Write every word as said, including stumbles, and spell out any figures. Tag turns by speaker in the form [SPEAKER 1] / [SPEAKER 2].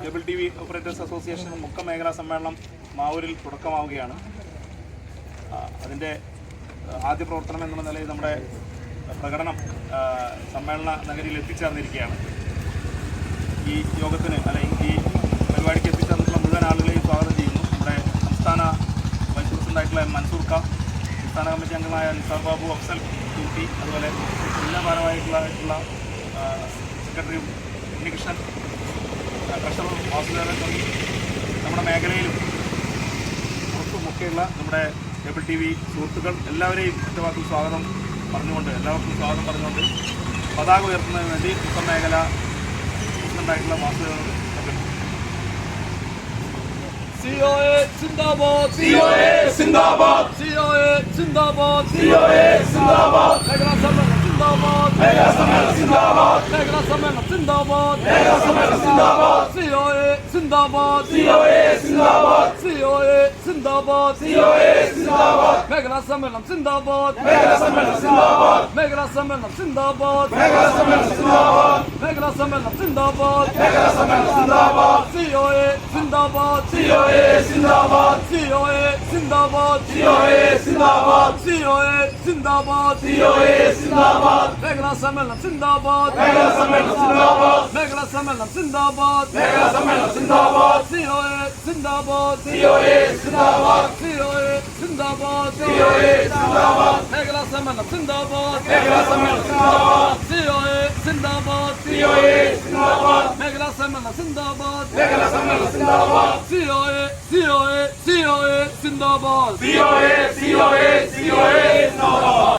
[SPEAKER 1] Cable T V operators association Mukkam മേഖലാ സമ്മേളനം മാവൂരിൽ തുടക്കമാവുകയാണ്. അതിൻ്റെ ആദ്യ പ്രവർത്തനം എന്നുള്ള നിലയിൽ നമ്മുടെ പ്രകടനം സമ്മേളന നഗരിയിൽ എത്തിച്ചേർന്നിരിക്കുകയാണ്. ഈ യോഗത്തിന് അല്ലെങ്കിൽ ഈ പരിപാടിക്ക് എത്തിച്ചേർന്നിട്ടുള്ള മുഴുവൻ ആളുകളെയും സ്വാഗതം ചെയ്യുന്നു. നമ്മുടെ സംസ്ഥാന വൈസ് പ്രസിഡൻ്റായിട്ടുള്ള മൻസൂർ ഖാൻ, സംസ്ഥാന കമ്മിറ്റി അംഗമായ നിസാർ ബാബു, അഫ്സൽ ടി, അതുപോലെ ജില്ലാ ഭാരവാഹികളായിട്ടുള്ള സെക്രട്ടറി ഉണ്ണികൃഷ്ണൻ, ട്രഷറർ വാസുദേവൻ തുടങ്ങി നമ്മുടെ മേഖലയിലും പുറത്തുമൊക്കെയുള്ള നമ്മുടെ കേബിൾ ടി വി സുഹൃത്തുക്കൾ എല്ലാവരെയും ഒറ്റവാക്കിൽ സ്വാഗതം പറഞ്ഞുകൊണ്ട് എല്ലാവർക്കും സ്വാഗതം പറഞ്ഞുകൊണ്ട് പതാക ഉയർത്തുന്നതിന് വേണ്ടി മുക്കം മേഖല പ്രസിഡൻ്റായിട്ടുള്ള Vasudevan
[SPEAKER 2] C O A Zindabad,
[SPEAKER 3] C O A Zindabad,
[SPEAKER 2] C O A Zindabad,
[SPEAKER 3] C O A Zindabad,
[SPEAKER 2] Megala Sammelan Zindabad,
[SPEAKER 3] Megala Sammelan Zindabad,
[SPEAKER 2] Megala Sammelan Zindabad,
[SPEAKER 3] Megala Sammelan Zindabad,
[SPEAKER 2] C O A Zindabad,
[SPEAKER 3] C O A Zindabad,
[SPEAKER 2] C O A Zindabad,
[SPEAKER 3] C O A Zindabad,
[SPEAKER 2] Megala Sammelan Zindabad,
[SPEAKER 3] Megala Sammelan Zindabad,
[SPEAKER 2] Megala Sammelan Zindabad,
[SPEAKER 3] Megala Sammelan Zindabad,
[SPEAKER 2] Megala Sammelan Zindabad,
[SPEAKER 3] Megala Sammelan Zindabad,
[SPEAKER 2] C O A Zindabad,
[SPEAKER 3] C O A Zindabad,
[SPEAKER 2] C O A Zindabad,
[SPEAKER 3] C O A Zindabad,
[SPEAKER 2] C O A Zindabad,
[SPEAKER 3] C O A Zindabad,
[SPEAKER 2] Megala Sammelan Zindabad,
[SPEAKER 3] Megala Sammelan Zindabad,
[SPEAKER 2] Megala Sammelan Zindabad,
[SPEAKER 3] Megala Sammelan Zindabad,
[SPEAKER 2] C O A Zindabad,
[SPEAKER 3] C O A Zindabad,
[SPEAKER 2] C O A Zindabad,
[SPEAKER 3] C O A Zindabad,
[SPEAKER 2] Megala Sammelan Zindabad,
[SPEAKER 3] Megala Sammelan Zindabad,
[SPEAKER 2] C O A Zindabad,
[SPEAKER 3] C O A Zindabad,
[SPEAKER 2] Megala Sammelan Zindabad,
[SPEAKER 3] Megala Sammelan Zindabad,
[SPEAKER 2] C O A C O A C O A Zindabad.
[SPEAKER 3] C O A C O A C O A Zindabad.